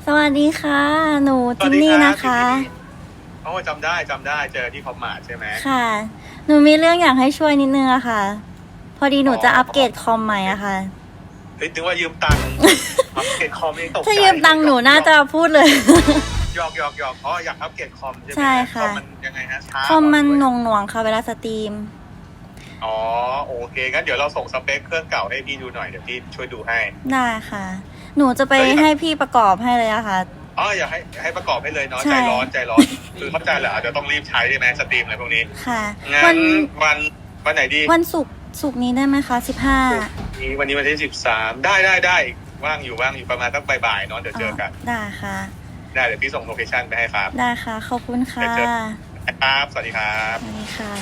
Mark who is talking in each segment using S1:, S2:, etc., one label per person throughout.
S1: สวัสดีค่ะหนูจินนี่นะคะ
S2: โอ้จำได้เจอที่คอมมาร์ทใช่ไหม
S1: ค่ะหนูมีเรื่องอยากให้ช่วยนิดนึงอะค่ะพอดีหนูจะอัปเกรดคอมใหม่อะค่ะ
S2: เฮ้ยถึงว่ายืมตังค์อัปเกรดคอมนี่ตกใจ
S1: ถ้ายืมตังค์หนูน่าจะพูดเลย
S2: หยอกอ๋ออยากอัปเกรดคอมใช่ไหม
S1: ใช่ค่ะ
S2: คอมมันยังไงฮะช้า
S1: คอมมันหน่วงค่ะเวลาสตรีม
S2: อ๋อโอเคงั้นเดี๋ยวเราส่งสเปคเครื่องเก่าให้พี่ดูหน่อยเดี๋ยวพี่ช่วยดูให้
S1: ได้ค่ะหนูจะไปให้พี่ประกอบให้เลยอะค่ะ
S2: อ๋ออยากให้ประกอบให้เลยเนาะใจร้อนคือเข้าใจแหละเดี๋ยวต้องรีบใช้ใช่ไหมสตรีมอะไรพวกนี้
S1: ค่ะ
S2: งั้นวันไหนดี
S1: วันศุกร์นี้ได้ไหมคะ15
S2: วันนี้วันที่13ได้ว่างอยู่ประมาณสักบ่ายๆเนาะเดี๋ยวเจอกัน
S1: ได้ค่ะ
S2: ได้เดี๋ยวพี่ส่งโลเคชั่นไปให้ครับ
S1: ได้ค่ะขอบคุณค่ะ
S2: ครับสวัสดีครับ
S1: สวัสดีค่ะ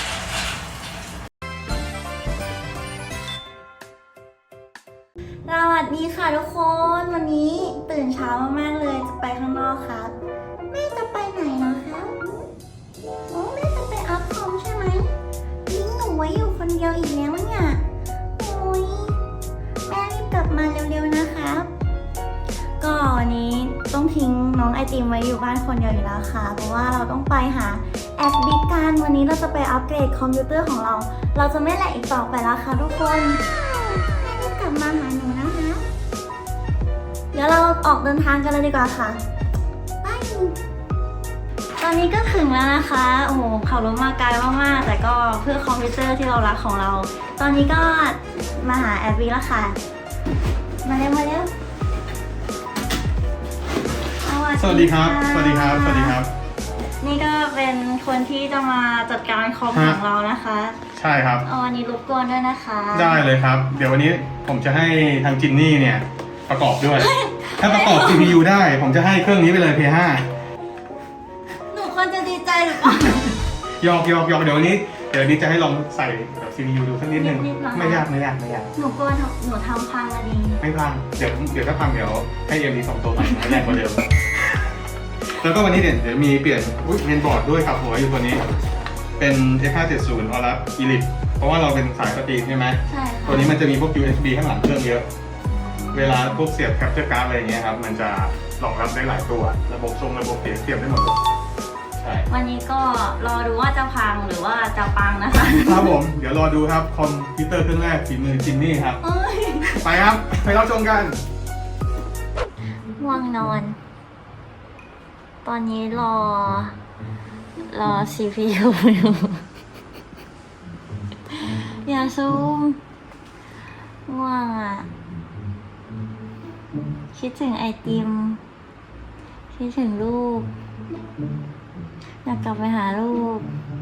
S1: สวัสดีค่ะทุกคนวันนี้ตื่นเช้ามากๆเลยจะไปข้างนอกครับแม่จะไปไหนนะคะโอ้แม่จะไปอัพคอมใช่ไหมทิ้งหนูไว้อยู่คนเดียวอีกแล้วเนี่ยโอ้ยแม่รีบกลับมาเร็วๆนะครับก็วันนี้ต้องทิ้งน้องไอติมไว้อยู่บ้านคนเดียวอยู่แล้วค่ะเพราะว่าเราต้องไปหาแอดบิ๊กกันวันนี้เราจะไปอัปเกรดคอมพิวเตอร์ของเราจะไม่แหลกอีกต่อไปแล้วค่ะทุกคนให้รีบกลับมาหาหนูนะคะเดี๋ยวเราออกเดินทางกันเลยดีกว่าค่ะไปตอนนี้ก็ถึงแล้วนะคะโอ้โหขับรถมาไกลมากๆแต่ก็เพื่อคอมพิวเตอร์ที่เรารักของเราตอนนี้ก็มาหาแอดบิ๊กแล้วค่ะมาเร็ว
S2: สวัสดีครับ
S1: นี่ก็เป็นคนที่จะมาจัดการคอมของเรานะคะ
S2: ใช่ครับ
S1: วันนี้รบกวนด้วยนะคะ
S2: ได้เลยครับเดี๋ยววันนี้ผมจะให้ทางจินนี่เนี่ยประกอบด้วยถ้าประกอบ CPU ได้ผมจะให้เครื่องนี้ไปเลย P5
S1: หนูควรจะดีใจหรือเปล่า
S2: หยอกเดี๋ยววันนี้จะให้ลองใส่แบบ CPU ดูสักนิดนึงไม่ยาก
S1: หนูกลัวหนูทำพังอะดี
S2: ไม่พังเดี๋ยวถ้าพังเดี๋ยวให้เอ็มดีส่งตัวใหม่แรงกว่าเดิมแล้วก็วันนี้เดี๋ยวมีเปลี่ยนเมนบอร์ดด้วยครับหัวอยู่ตัวนี้เป็น F570 Aorus Elite เพราะว่าเราเป็นสายสตรีมใช่ไหม
S1: ใช่ค่ะ
S2: ตัวนี้มันจะมีพวก USB ข้างหลังเครื่องเยอะเวลาพวกเสียบ Capture Card อะไรอย่างเงี้ยครับมันจะรองรับได้หลายตัวระบบเสียบได้หมดเลยใช่
S1: วันนี้ก็รอดูว่าจะพังหรือว่าจะปังนะคะ
S2: ครับผมเดี๋ยวรอดูครับคอมพิวเตอร์เครื่องแรกฝีมือจินนี่ครับไปครับไปรับชมกัน
S1: ง่วงนอนตอนนี้รอ CPU อยู่อย่าซูมง่วงอ่ะคิดถึงไอติมคิดถึงลูกอยากกลับไปหาลูก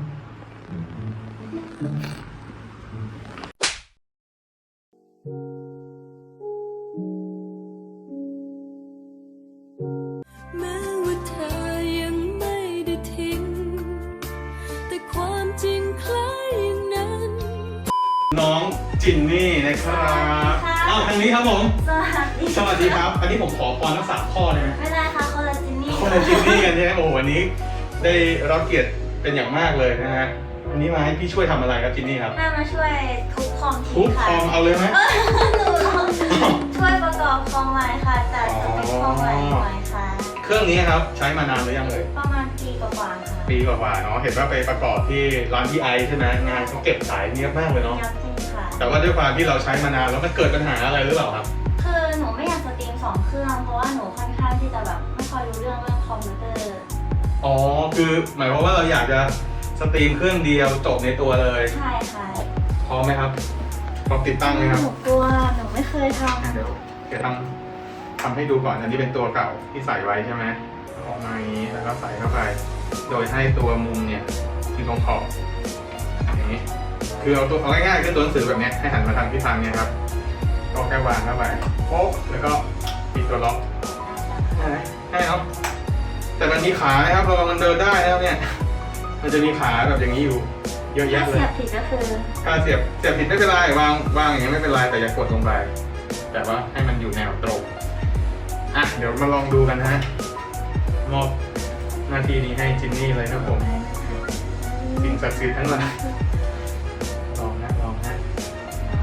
S2: น้องจินนี่นะครับทางนี้ครับผมสวัสดีครับอันนี้ผมขอพรทั้ง3ข้อได้ไหม
S1: ไม่ได้ค่ะคนละจินนี่
S2: กันใช่ไหมโอ้วันนี้ได้รับเกียรติเป็นอย่างมากเลยนะฮะวันนี้มาให้พี่ช่วยทำอะไรครับจินนี่ครับ
S1: มาช่วยทุบคอม
S2: ทุบคอมเอาเลยไหม
S1: หนูช่วยประกอบคอมใหม่ค่ะจัดเป็นคอมใหม่ค่ะ
S2: เครื่องนี้ครับใช้มานานหรือยังเลย
S1: ประมาณปีกว่าค่ะ
S2: ปีกว่าเนาะเห็นว่าไปประกอบที่ร้านพี่ไอใช่ไหมงานเขาเก็บสายเนียบมากเลยเนาะแต่ว่าด้วยความที่เราใช้มานานแล้วมันเกิดปัญหาอะไรหรือเปล่าครับ
S1: คือหนูไม่อยากสตรีม2เครื่องเพราะว่าหนูค่อนข้างที่จะแบบไม่ค่อยรู้เรื่องคอมพิวเตอร์
S2: อ๋อคือหมายความว่าเราอยากจะสตรีมเครื่องเดียวจบในตัวเลย
S1: ใช่ค่ะ
S2: พร้อมไหมครับพร้อมติดตั้งไหมครับ
S1: หนูกลัวหนูไม่เคยทำ
S2: เดี๋ยวทำให้ดูก่อนอันนี้เป็นตัวเก่าที่ใส่ไว้ใช่ไหมออกมาอย่างนี้แล้วก็ใส่เข้าไปโดยให้ตัวมุมเนี่ยที่ตรงขอบอย่างนี้คือเอาง่ายๆคือตัวหนังสือแบบนี้ให้หันมาทางทิศทางนี้ครับก็แค่วางเข้าไปโป๊ะแล้วก็ปิดตัวล็อกให้ครับแต่มันมีขานะครับระวังมันเดินได้แล้วเนี่ยมันจะมีขาแบบอย่างนี้อยู่เยอะแยะเลย
S1: เสียบผิดก็คือ
S2: การเสียบผิดไม่เป็นไรวางอย่างนี้ไม่เป็นไรแต่อย่ากดลงไปแต่ว่าให้มันอยู่แนวตรงเดี๋ยวมาลองดูกันนะฮะมอบหน้าที่นี้ให้จินนี่เลยครับผมสิ่งศักดิ์สิทธิ์ทั้งหลายลองนะ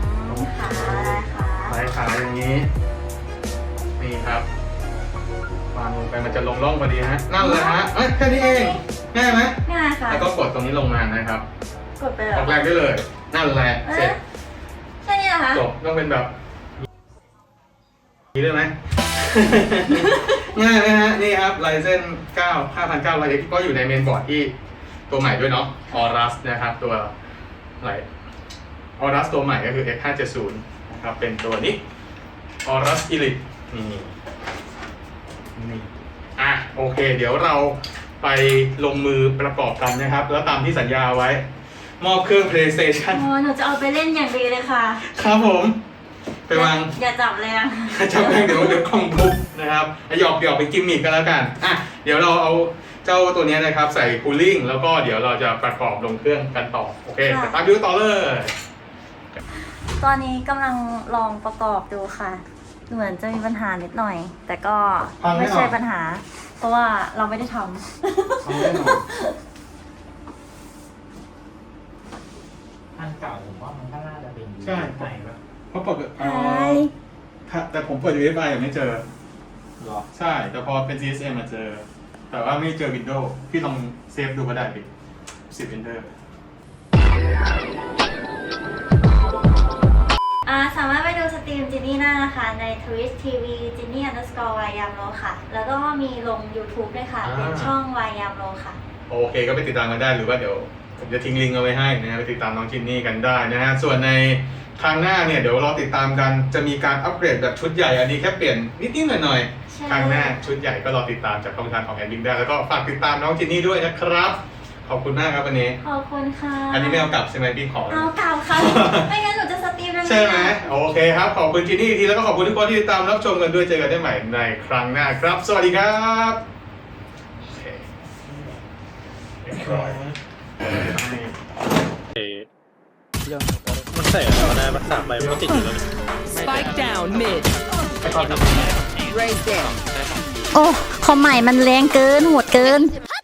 S1: ขา
S2: ลายขาอย่างนี้นี่ครับไปมันจะลงร่องพอดีฮะนั่นเลยฮะแค่นี้เองง่ายไหม
S1: ง่ายค่ะ
S2: แล้วก็กดตรงนี้ลงมานะครับ
S1: กดไปแล้
S2: อ
S1: ว
S2: อกแรงได้เลยนั่นแหละเสร็จ
S1: แค่นี้เหรอคะ
S2: จบต้องเป็นแบบนี้ได้ไหม ง่ายไหมฮะนี่ครับ Ryzen 9 5900X ก็อยู่ในเมนบอร์ดที่ตัวใหม่ด้วยเนาะ Aorus นะครับตัวอะไร Aorus ตัวใหม่ก็คือ X570 นะครับเป็นตัวนี้ Aorus Elite นี่โอเค เดี๋ยวเราไปลงมือประกอบกันนะครับ แล้วตามที่สัญญาไว้ มอบเครื่อง PlayStation
S1: โอ้หนูจะเอาไปเล่นอย่างดีเลยค่ะ
S2: ครับผม ไปวาง
S1: อย่าจับเลยนะ
S2: จับแม่งเดี๋ยวกล้องทุบนะครับหยอกเป็นกิมมิคกันแล้วกันเดี๋ยวเราเอาเจ้าตัวนี้นะครับใส่คูลิ่งแล้วก็เดี๋ยวเราจะประกอบลงเครื่องกันต่อโอเคไปตามดูต่อเลย
S1: ตอนนี้กำลังลองประกอบดูค่ะ เหมือนจะมีปัญหานิดหน่อย แต่ก็ไม่ใช่ปัญหา เพราะว่าเราไม่ได้ท
S3: อันเก่าผมว่ามันก็น่าจะเป็น
S2: ใช่
S3: ไหนแบบ
S2: เพราะปกติ
S1: ำใช่
S2: แต่ผมเปิด UEFI ยังไม่เจอ
S3: หรอ
S2: ใช่แต่พอเป็น CSM มาเจอ แต่ว่าไม่เจอ Windows พี่ลองเซฟดูก็ได้ดิ10 Enter
S1: สามารถไปดูสตรีมจินนี่ได้นะคะใน Twitch TV จินนี่_วายามโลค่ะ แล้วก็มีลง YouTube ด้วยค่ะ เป็นช่องวายามโลค่ะ
S2: โอเคก็ไปติดตามกันได้หรือว่าเดี๋ยวผมจะทิ้งลิงก์เอาไว้ให้นะฮะไปติดตามน้องจินนี่กันได้นะฮะส่วนในทางหน้าเนี่ยเดี๋ยวรอติดตามกันจะมีการอัปเกรดแบบชุดใหญ่อันนี้แค่เปลี่ยนนิดๆหน่อย
S1: ใช่
S2: ๆทางหน้าชุดใหญ่ก็รอติดตามจากช่องทางของแอนดิ้งได้แล้วก็ฝากติดตามน้องจินนี่ด้วยนะครับขอบคุณมากครับวันนี้
S1: ขอบคุณค่ะ
S2: อันนี้ไม่เอากลับใช่ไหมพี่ขอ
S1: เอาเก่าค่ะ ไม่งั้นหนูจะสตรีมยังไง
S2: ใช่ไหมโอเคครับขอบคุณจินนี่อีกทีแล้วก็ขอบคุณทุกคนที่ติดตามรับชมกันด้วยเจอกันได้ใหม่ในครั้งหน้าครับ สวัสดีครับโอเคเรียบร้อย
S4: มันใส่อะไรมาได้มันสามใบมันก็ติดอยู่แล้ว
S5: Spike down mid. Raise down.
S1: โอ้คอมใหม่มันแรงเกินโหดเกิน